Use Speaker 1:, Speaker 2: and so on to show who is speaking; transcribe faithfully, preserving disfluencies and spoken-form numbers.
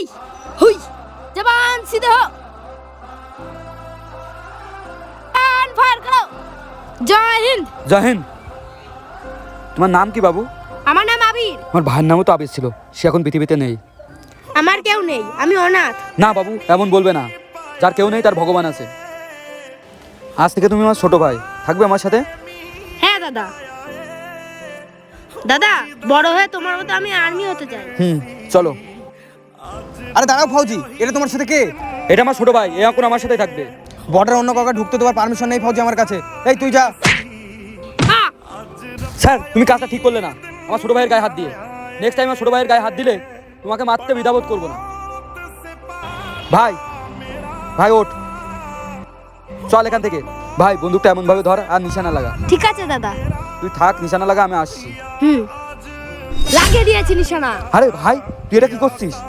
Speaker 1: হুই জবান সিধে হো, কান ফায়ার করো। জয় হিন্দ।
Speaker 2: জয় হিন্দ। তোমার নাম কি বাবু?
Speaker 1: আমার নাম আবির।
Speaker 2: আমার ভাইয়ের নামও তো আবির ছিল, সে এখন পৃথিবীতে নেই।
Speaker 1: আমার কেউ নেই, আমি অনাথ।
Speaker 2: না বাবু, এমন বলবে না। যার কেউ নেই তার ভগবান আছে। আজ থেকে তুমি আমার ছোট ভাই, থাকবে আমার সাথে?
Speaker 1: হ্যাঁ দাদা। দাদা, বড় হয়ে তোমার মতো আমি আর্মি হতে চাই।
Speaker 2: হুম, চলো।
Speaker 3: আরে দাঁড়াও ফৌজি, এটা তোমার সাথে কে?
Speaker 2: এটা আমার ছোট ভাই, এ এখন আমার সাথেই থাকবে।
Speaker 3: বর্ডার অন্য কাউকে ঢুকতে দেওয়ার পারমিশন নেই ফৌজি আমার কাছে। এই তুই যা।
Speaker 1: আহ!
Speaker 2: স্যার, তুমি কাজটা ঠিক করলে না, আমার ছোট ভাইয়ের গায়ে হাত দিয়ে। নেক্সট টাইম আমার ছোট ভাইয়ের গায়ে হাত দিলে তোমাকে মারতে দ্বিধাবোধ করবো না। ভাই, ভাই ওঠ, চল এখান থেকে। ভাই, বন্দুকটা এমন ভাবে ধর আর নিশানা লাগা।
Speaker 1: ঠিক আছে দাদা।
Speaker 2: তুই থাক, নিশানা লাগা, আমি আসছি।
Speaker 1: হুম, লাগিয়ে দিয়েছি নিশানা।
Speaker 2: আরে ভাই, তুই এটা কি করছিস?